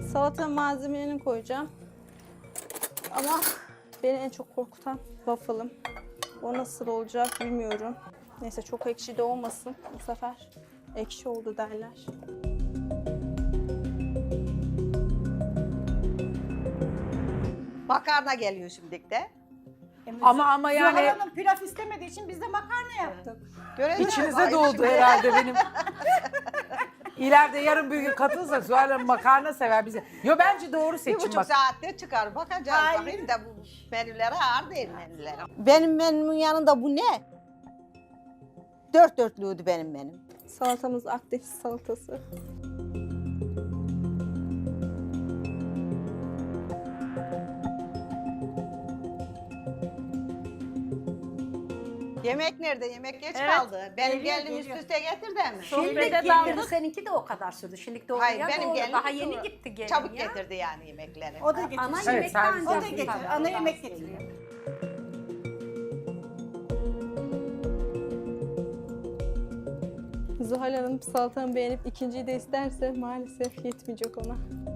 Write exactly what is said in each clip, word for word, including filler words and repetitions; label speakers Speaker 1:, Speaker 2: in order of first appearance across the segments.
Speaker 1: Salata malzemelerini koyacağım. Ama beni en çok korkutan waffle'ım. O nasıl olacak bilmiyorum. Neyse çok ekşi de olmasın. Bu sefer ekşi oldu derler.
Speaker 2: Makarna geliyor şimdi de.
Speaker 3: Ama ama yani
Speaker 4: Zuhal Hanım pilav istemediği için biz de makarna yaptık.
Speaker 2: Göreceğiz.
Speaker 3: içinize
Speaker 2: Ay,
Speaker 3: doğdu
Speaker 2: şimdi-
Speaker 3: herhalde benim. İleride yarın bir gün katılırsak Zuhal Hanım makarna sever bize. Yo bence doğru
Speaker 2: Bir
Speaker 3: seçim
Speaker 2: buçuk
Speaker 3: bak.
Speaker 2: saatte çıkar. Bakacağız.
Speaker 4: Hayır.
Speaker 2: Bakayım da bu menülere ağır değil menülere. Benim menümün yanında bu ne? Dört dörtlüydü benim menüm.
Speaker 1: Salatamız Akdeniz salatası.
Speaker 2: Yemek nerede? Yemek geç
Speaker 4: Evet,
Speaker 2: kaldı. Benim
Speaker 4: geliyor,
Speaker 2: gelinim üst
Speaker 4: geliyor.
Speaker 2: üste getirdi mi?
Speaker 5: Şimdi
Speaker 4: Sohbete
Speaker 5: getirdi,
Speaker 4: daldık.
Speaker 5: seninki de o kadar sürdü. Şimdi doğru
Speaker 2: Hayır
Speaker 5: ya
Speaker 2: benim
Speaker 5: doğru.
Speaker 2: gelinim
Speaker 5: Daha yeni gitti gelin
Speaker 2: çabuk
Speaker 5: ya.
Speaker 2: getirdi yani yemekleri.
Speaker 4: O da getir.
Speaker 5: Ana
Speaker 3: Evet,
Speaker 5: yemekten
Speaker 3: servis
Speaker 4: O da
Speaker 3: yapıyor.
Speaker 4: getir. Ana yemek getiriyor.
Speaker 1: Zuhal Hanım salatamı beğenip ikinciyi de isterse maalesef yetmeyecek ona.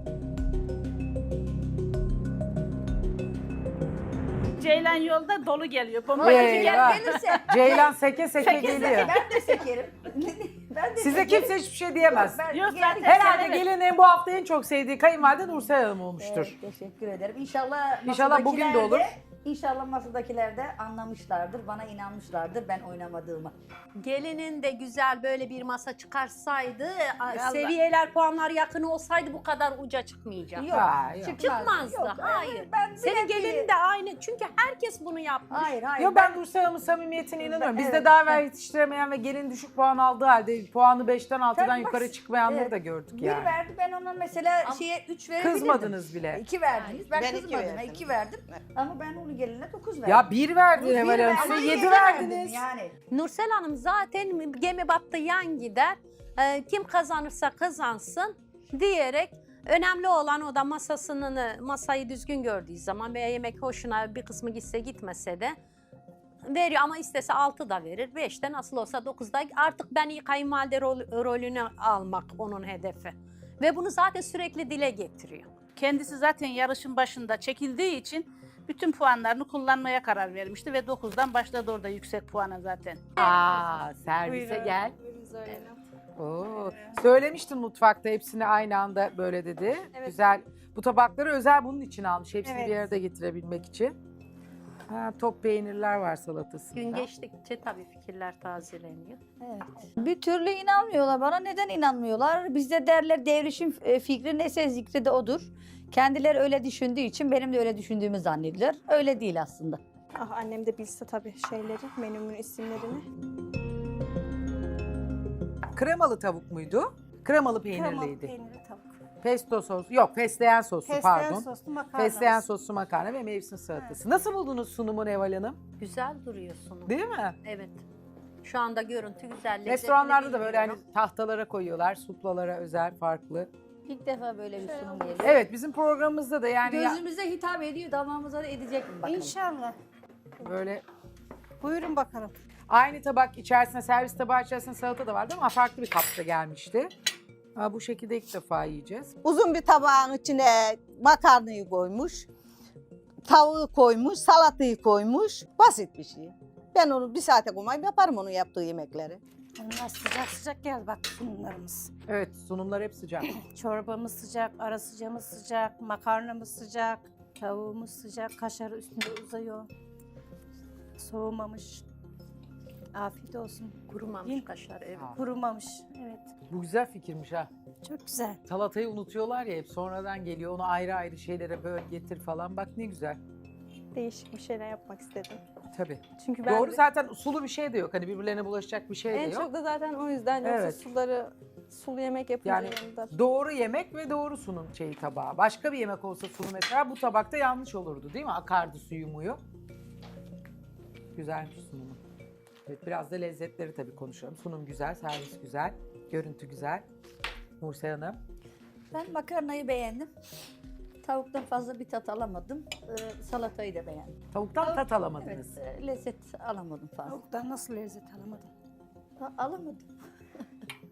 Speaker 4: Ceylan yolda dolu geliyor. Bomba
Speaker 3: Eyvah.
Speaker 4: gel.
Speaker 5: Gelirse
Speaker 3: Ceylan seke seke geliyor.
Speaker 5: ben de sekerim. ben de
Speaker 3: Size
Speaker 5: sekerim.
Speaker 3: kimse hiçbir şey diyemez.
Speaker 5: Ben
Speaker 4: Yok,
Speaker 5: gel-
Speaker 4: zaten-
Speaker 3: Herhalde
Speaker 4: Evet.
Speaker 3: gelinin bu hafta en çok sevdiği kayınvalide Nursel Hanım olmuştur.
Speaker 5: Evet, teşekkür ederim. İnşallah
Speaker 3: İnşallah bugün de
Speaker 5: masadakiler
Speaker 3: olur.
Speaker 5: İnşallah masadakiler de anlamışlardır, bana inanmışlardır ben oynamadığımı. Gelinin de güzel böyle bir masa çıkarsaydı, a- seviyeler, puanlar yakın olsaydı bu kadar uca çıkmayacak.
Speaker 3: Yok, Ha, yok.
Speaker 5: Çıkmazdı.
Speaker 6: Yok,
Speaker 5: hayır.
Speaker 6: ben
Speaker 5: Senin
Speaker 6: bile-
Speaker 5: gelinin de aynı. Çünkü herkes bunu yapmış.
Speaker 6: Hayır hayır.
Speaker 3: Yo ben Nursel Hanım'ın samimiyetine inanıyorum. Bizde
Speaker 6: evet,
Speaker 3: daha evvel yetiştiremeyen ve gelin düşük puan aldığı halde puanı beşten altıdan
Speaker 6: Tabii bak,
Speaker 3: yukarı çıkmayanları
Speaker 6: evet.
Speaker 3: da gördük
Speaker 6: Bir
Speaker 3: yani.
Speaker 6: verdi ben ona mesela şeye üç verebilirdim.
Speaker 3: Kızmadınız bile.
Speaker 6: İki verdiniz. Ben,
Speaker 2: Ben iki
Speaker 6: kızmadım.
Speaker 2: verdim.
Speaker 6: iki verdim.
Speaker 2: Evet.
Speaker 6: Ama ben onu geline dokuz verdim.
Speaker 3: Ya bir verdin
Speaker 6: Bir
Speaker 3: Emel Hanım,
Speaker 6: verdim,
Speaker 3: size
Speaker 6: ama
Speaker 3: yedi
Speaker 6: yedi
Speaker 3: verdiniz.
Speaker 6: verdim Yani.
Speaker 5: Nursel Hanım zaten gemi battı yan gider. Ee, kim kazanırsa kazansın diyerek önemli olan o da masasını, masayı düzgün gördüğü zaman veya yemek hoşuna bir kısmı gitse gitmese de veriyor ama istese altı da verir. beşte nasıl olsa dokuzda artık ben iyi kayınvalide rol- rolünü almak onun hedefi. Ve bunu zaten sürekli dile getiriyor.
Speaker 4: Kendisi zaten yarışın başında çekildiği için bütün puanlarını kullanmaya karar vermişti ve dokuzdan başladı orada yüksek puana zaten.
Speaker 3: Aa, servise
Speaker 1: Buyurun.
Speaker 3: gel.
Speaker 1: Buyurun Zuhal Hanım.
Speaker 3: Oo. Söylemiştin mutfakta hepsini aynı anda böyle dedi.
Speaker 1: Evet.
Speaker 3: Güzel. Bu tabakları özel bunun için almış. Hepsini
Speaker 1: Evet.
Speaker 3: bir arada getirebilmek için. Ha, top peynirler var salatasında.
Speaker 5: Gün geçtikçe tabii fikirler tazeleniyor.
Speaker 6: Bir türlü inanmıyorlar bana. Neden inanmıyorlar? Bizde derler devrişim e, fikri neyse zikri de odur. Kendileri öyle düşündüğü için benim de öyle düşündüğümü zannediyorlar. Öyle değil aslında.
Speaker 1: Ah annem de bilse tabii şeyleri, menümün isimlerini.
Speaker 3: Kremalı tavuk muydu? Kremalı peynirliydi.
Speaker 4: Kremalı peynirli tavuk.
Speaker 3: Pesto sos, yok fesleğen soslu
Speaker 4: Fesleğen
Speaker 3: pardon.
Speaker 4: soslu makarna.
Speaker 3: Fesleğen soslu makarna ve mevsim salatası. Nasıl buldunuz sunumu Neval Hanım?
Speaker 5: Güzel duruyor sunum.
Speaker 3: Değil mi?
Speaker 5: Evet. Şu anda görüntü güzel. lezzetli
Speaker 3: Restoranlarda da böyle hani
Speaker 5: bilmiyorum.
Speaker 3: tahtalara koyuyorlar, suplalara özel, farklı.
Speaker 6: İlk defa böyle bir sunum geliyor.
Speaker 3: Evet, bizim programımızda da yani ya-
Speaker 6: Gözümüze hitap ediyor, damağımıza da edecek mi bakalım.
Speaker 4: İnşallah.
Speaker 3: böyle
Speaker 4: Buyurun bakalım.
Speaker 3: aynı tabak içerisinde, servis tabağı içerisinde salata da vardı ama farklı bir kapta gelmişti. Ha, bu şekilde ilk defa yiyeceğiz.
Speaker 2: Uzun bir tabağın içine makarnayı koymuş. Tavuğu koymuş, salatayı koymuş. Basit bir şey. Ben onu bir saate koymayıp yaparım onun yaptığı yemekleri.
Speaker 4: Bunlar sıcak sıcak geldi bak sunumlarımız.
Speaker 3: Evet, sunumlar hep sıcak.
Speaker 4: Çorbamız sıcak, ara sıcağımız sıcak, makarnamız sıcak, tavuğumuz sıcak, kaşarı üstünde uzıyor. Soğumamış. Afiyet olsun.
Speaker 5: Kurumamış
Speaker 4: Yiyin.
Speaker 5: kaşar evet.
Speaker 4: Kurumamış. Evet.
Speaker 3: Bu güzel fikirmiş ha.
Speaker 4: Çok güzel.
Speaker 3: Salatayı unutuyorlar ya hep sonradan geliyor. Onu ayrı ayrı şeylere böl getir falan. Bak ne güzel.
Speaker 1: Değişik bir şeyler yapmak istedim.
Speaker 3: Tabii.
Speaker 1: Çünkü ben
Speaker 3: Doğru
Speaker 1: de-
Speaker 3: zaten sulu bir şey de yok. Hani birbirlerine bulaşacak bir şey de
Speaker 1: en
Speaker 3: yok.
Speaker 1: çok da zaten o yüzden yoksa
Speaker 3: Evet.
Speaker 1: suları sulu yemek yapınca
Speaker 3: Yani
Speaker 1: yanında.
Speaker 3: doğru yemek ve doğru sunum şeyi tabağı. Başka bir yemek olsa sunum mesela bu tabakta yanlış olurdu değil mi? Akardı suyu muyu. Güzelmiş sunumu. Evet, biraz da lezzetleri tabii konuşalım. Sunum güzel, servis güzel, görüntü güzel. Nursel Hanım.
Speaker 6: Ben makarnayı beğendim. Tavuktan fazla bir tat alamadım. Ee, salatayı da beğendim.
Speaker 3: Tavuktan tat alamadınız.
Speaker 6: Evet, e, lezzet alamadım fazla.
Speaker 4: Tavuktan nasıl lezzet alamadım?
Speaker 6: Ha, alamadım.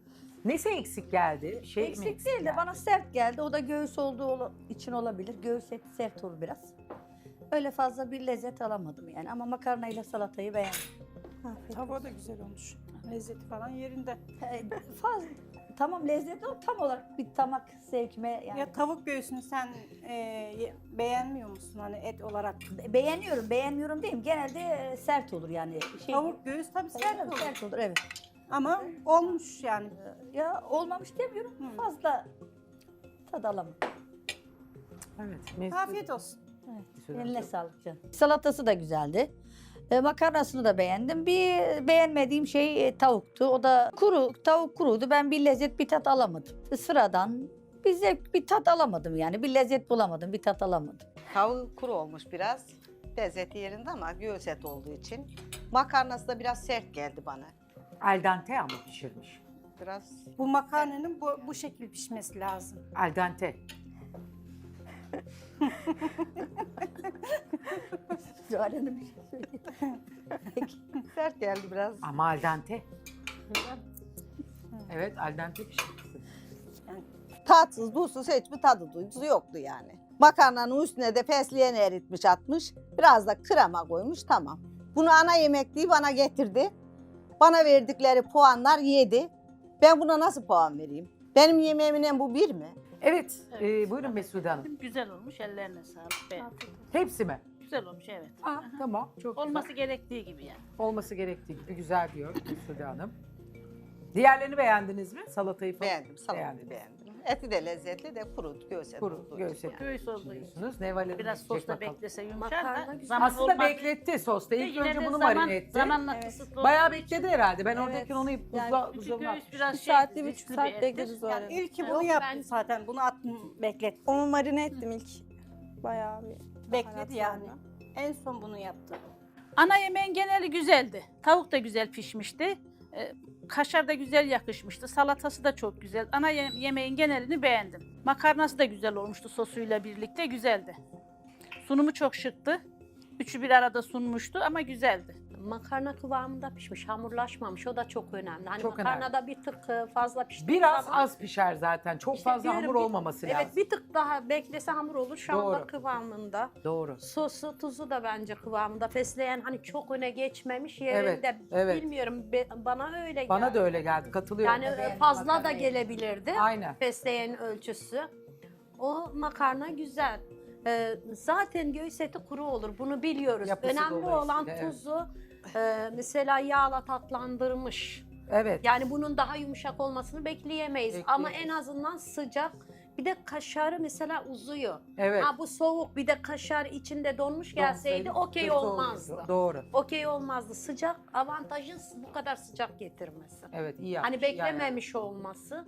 Speaker 3: Nesi eksik geldi? Şey mi
Speaker 6: Eksik değil de
Speaker 3: geldi?
Speaker 6: bana sert geldi. O da göğüs olduğu ola- için olabilir. Göğüs eti sert olur biraz. Öyle fazla bir lezzet alamadım yani. Ama makarnayla salatayı beğendim.
Speaker 1: Afiyet
Speaker 7: Tavuğu da güzel olmuş. Lezzeti falan yerinde.
Speaker 6: Ee, fazla, tamam lezzetli ama tam olarak bir tamak zevkime yani.
Speaker 7: Ya tavuk göğsünü sen e, ye- beğenmiyor musun hani et olarak?
Speaker 6: Be- beğeniyorum, beğenmiyorum diyeyim. Genelde e, sert olur yani. Şey,
Speaker 7: Tavuk göğüs tabii sert
Speaker 6: sert,
Speaker 7: olur.
Speaker 6: sert olur evet.
Speaker 7: Ama olmuş yani.
Speaker 6: Ya olmamış demiyorum.
Speaker 7: Hı.
Speaker 6: Fazla tad alamadım.
Speaker 3: Evet. Mesut-
Speaker 7: Afiyet olsun.
Speaker 3: Mesut
Speaker 6: Eline
Speaker 3: Hanım.
Speaker 6: sağlık canım. Salatası da güzeldi. E, makarnasını da beğendim. Bir beğenmediğim şey e, tavuktu. O da kuru, tavuk kuruydu. Ben bir lezzet, bir tat alamadım. Sıradan bir zevk, bir tat alamadım yani. Bir lezzet bulamadım, bir tat alamadım.
Speaker 2: Tavuğu kuru olmuş biraz. Lezzeti yerinde ama göğüs eti olduğu için. Makarnası da biraz sert geldi bana.
Speaker 3: Al dente ama pişirmiş.
Speaker 2: Biraz
Speaker 7: Bu makarnanın bu, bu şekil pişmesi lazım.
Speaker 3: Al dente.
Speaker 6: Zuhal Hanım bir şey söyleyeyim.
Speaker 2: sert geldi biraz.
Speaker 3: Ama al dente. Evet, al dente pişirmişsin.
Speaker 2: Tatsız, tuzsuz hiçbir tadı duygusu yoktu yani. Makarnanın üstüne de fesleğen eritmiş atmış. Biraz da krema koymuş tamam. Bunu ana yemek diye bana getirdi. Bana verdikleri puanlar yedi. Ben buna nasıl puan vereyim? Benim yemeğimle bu bir mi?
Speaker 3: Evet, e, buyurun Mesude Hanım.
Speaker 4: Güzel olmuş, ellerine sağlık. Beğendim.
Speaker 3: Hepsi mi?
Speaker 4: Güzel olmuş, evet.
Speaker 3: Aa, tamam, çok
Speaker 4: Olması
Speaker 3: güzel.
Speaker 4: gerektiği gibi yani.
Speaker 3: Olması gerektiği gibi güzel diyor Mesude Hanım. Diğerlerini beğendiniz mi? Salatayı falan?
Speaker 2: Beğendim, salatayı
Speaker 3: Beğendiniz.
Speaker 2: beğendim. Eti de lezzetli de kuru, göğüs eti
Speaker 3: Kuru,
Speaker 2: olduğu
Speaker 3: göğüs
Speaker 2: için
Speaker 3: eti.
Speaker 4: Göğüs olduğu için.
Speaker 3: Düşünüyorsunuz. Neval Hanım
Speaker 4: Biraz
Speaker 3: diyecek
Speaker 4: sosta
Speaker 3: bakalım.
Speaker 4: beklese yumuşar
Speaker 5: Makarna
Speaker 4: da
Speaker 5: güzel.
Speaker 4: zaman
Speaker 3: Aslında
Speaker 4: olmaz.
Speaker 3: bekletti sosta. İlk
Speaker 4: Yine
Speaker 3: önce
Speaker 4: de
Speaker 3: bunu
Speaker 4: zaman-
Speaker 3: marine etti.
Speaker 4: Zamanla
Speaker 1: Evet.
Speaker 4: kısıtlı
Speaker 3: Bayağı
Speaker 4: olduğu için.
Speaker 3: bekledi herhalde. Ben
Speaker 1: Evet.
Speaker 3: oradayken onu buzla,
Speaker 1: Yani
Speaker 4: Çünkü
Speaker 3: buzdolabına
Speaker 4: göğüs
Speaker 3: atmıştım.
Speaker 4: biraz
Speaker 1: Bir
Speaker 4: şey,
Speaker 1: saat, bir buçuk
Speaker 4: riskli
Speaker 1: saat
Speaker 4: bir ettir.
Speaker 1: bekledi Zuhal
Speaker 7: Yani
Speaker 1: Hanım.
Speaker 7: ilk ki
Speaker 4: Yok,
Speaker 7: bunu yaptı
Speaker 5: ben-
Speaker 7: zaten. Bunu attım, beklet.
Speaker 1: Onu marine ettim ilk. Bayağı bir
Speaker 7: Bekledi yani.
Speaker 1: baharatlarla.
Speaker 7: En son bunu yaptı.
Speaker 4: Ana yemeğin geneli güzeldi. Tavuk da güzel pişmişti. Ee, kaşar da güzel yakışmıştı. Salatası da çok güzel. Ana ye- yemeğin genelini beğendim. Makarnası da güzel olmuştu sosuyla birlikte. Güzeldi. Sunumu çok şıktı. Üçü bir arada sunmuştu ama güzeldi.
Speaker 5: Makarna kıvamında pişmiş, hamurlaşmamış. O da çok önemli. Hani
Speaker 3: Çok
Speaker 5: makarnada bir tık e, fazla pişti.
Speaker 3: Biraz az pişer zaten. Çok
Speaker 5: İşte
Speaker 3: fazla
Speaker 5: diyorum
Speaker 3: hamur
Speaker 5: bir-
Speaker 3: olmaması lazım.
Speaker 5: Evet, bir tık daha beklese hamur olur. Şu
Speaker 3: Doğru.
Speaker 5: anda kıvamında.
Speaker 3: Doğru.
Speaker 5: Sosu, tuzu da bence kıvamında. Fesleğen hani çok öne geçmemiş yerinde.
Speaker 3: Evet, evet.
Speaker 5: Bilmiyorum, be- bana öyle geldi.
Speaker 3: Bana da öyle geldi. Katılıyorum.
Speaker 5: Yani
Speaker 6: Beğendim
Speaker 5: fazla da
Speaker 6: makarnayı.
Speaker 5: gelebilirdi.
Speaker 3: Aynen.
Speaker 5: Fesleğen ölçüsü. O makarna güzel. Ee, zaten göğüs eti kuru olur. Bunu biliyoruz.
Speaker 3: Yapısı
Speaker 5: Önemli olan
Speaker 3: dolayısıyla, evet.
Speaker 5: tuzu. e, mesela yağla tatlandırmış.
Speaker 3: Evet.
Speaker 5: Yani bunun daha yumuşak olmasını bekleyemeyiz. Ama en
Speaker 3: Bekleyemeyiz.
Speaker 5: azından sıcak. Bir de kaşarı mesela uzuyor.
Speaker 3: Evet.
Speaker 5: Ha bu soğuk, bir de kaşar içinde donmuş gelseydi
Speaker 3: Donsaydı
Speaker 5: okey
Speaker 3: kötü
Speaker 5: olmazdı.
Speaker 3: olurdu. Doğru.
Speaker 5: Okey olmazdı. Sıcak avantajın bu kadar sıcak getirmesi.
Speaker 3: Evet, iyi yapmış.
Speaker 5: Hani
Speaker 3: iyi ayarlamış.
Speaker 5: beklememiş olması.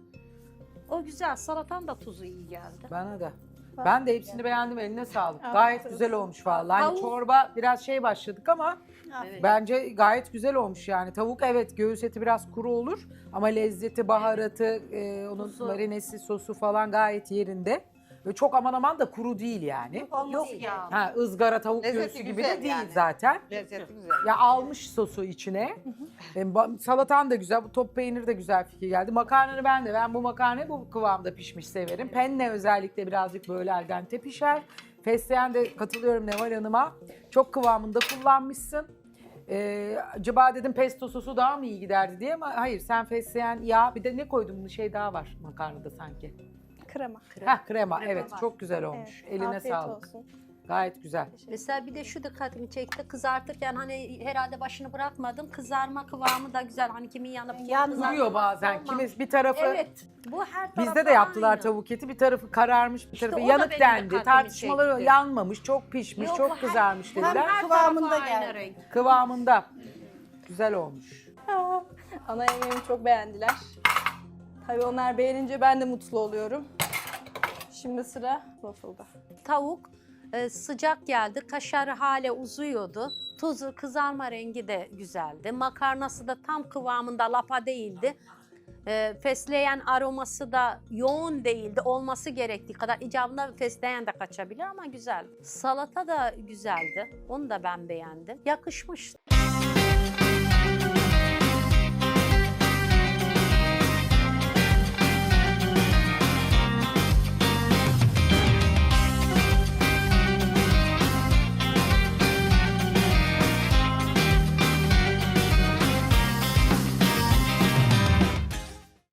Speaker 5: O güzel. Salatan da tuzu iyi geldi.
Speaker 3: Bana da. Ben de hepsini beğendim. Eline sağlık.
Speaker 1: Afiyet
Speaker 3: Gayet
Speaker 1: olsun.
Speaker 3: güzel olmuş vallahi. Hani
Speaker 5: Tavuk-
Speaker 3: çorba biraz şey başladık ama
Speaker 5: Evet.
Speaker 3: bence gayet güzel olmuş yani. Tavuk evet göğüs eti biraz kuru olur ama lezzeti, baharatı, e, onun
Speaker 5: Tuzu.
Speaker 3: marinesi, sosu falan gayet yerinde. Ve çok aman aman da kuru değil yani.
Speaker 5: Yok ya.
Speaker 3: Ha ızgara tavuk
Speaker 2: Lezzeti
Speaker 3: göğsü gibi
Speaker 2: güzel
Speaker 3: de değil
Speaker 2: yani.
Speaker 3: zaten.
Speaker 2: Lezzeti güzel.
Speaker 3: Ya almış sosu içine. E, ba- salatan da güzel, bu top peyniri de güzel fikir geldi. Makarnanı ben de, ben bu makarnayı bu kıvamda pişmiş severim. Penne özellikle birazcık böyle al dente pişer. Fesleğen de katılıyorum Neval Hanım'a. Çok kıvamında kullanmışsın. Ee, acaba dedim pesto sosu daha mı iyi giderdi diye ama hayır, sen fesleğen yağ, bir de ne koydun, bunun şey daha var makarnada sanki.
Speaker 1: Krema.
Speaker 3: Heh, krema,
Speaker 5: Krema
Speaker 3: evet
Speaker 5: var.
Speaker 3: çok güzel olmuş.
Speaker 1: Evet,
Speaker 3: Eline
Speaker 1: afiyet
Speaker 3: sağlık.
Speaker 1: olsun.
Speaker 3: Gayet güzel.
Speaker 5: Mesela bir de şu dikkatimi çekti. Kızartırken hani herhalde başını bırakmadım. Kızarma kıvamı da güzel. Hani kimin yanıp kimin
Speaker 7: Yanmıyor
Speaker 5: kızartmaması
Speaker 3: Kuruyor bazen.
Speaker 5: olmaz.
Speaker 3: Kimi bir tarafı
Speaker 5: Evet. Bu her
Speaker 3: bizde
Speaker 5: tarafta
Speaker 3: de yaptılar
Speaker 5: aynı.
Speaker 3: tavuk eti. Bir tarafı kararmış, bir
Speaker 5: İşte
Speaker 3: tarafı
Speaker 5: o da
Speaker 3: yanık
Speaker 5: benim
Speaker 3: dendi.
Speaker 5: dikkatimi
Speaker 3: Tartışmaları
Speaker 5: çekti.
Speaker 3: yanmamış, çok pişmiş,
Speaker 5: Yok,
Speaker 3: çok
Speaker 5: bu her-
Speaker 3: kızarmış dediler.
Speaker 7: Hem
Speaker 5: Her
Speaker 7: kıvamında
Speaker 5: tarafı aynı
Speaker 7: geldi.
Speaker 5: renk.
Speaker 3: Kıvamında. Güzel olmuş.
Speaker 1: Ana yemeğimi çok beğendiler. Tabii onlar beğenince ben de mutlu oluyorum. Şimdi sıra waffle'da.
Speaker 5: Tavuk e, sıcak geldi. Kaşarı hale uzuyordu. Tuzu, kızarma rengi de güzeldi. Makarnası da tam kıvamında, lapa değildi. E, fesleğen aroması da yoğun değildi. Olması gerektiği kadar. İcabında fesleğen de kaçabilir ama güzel. Salata da güzeldi. Onu da ben beğendim. Yakışmış.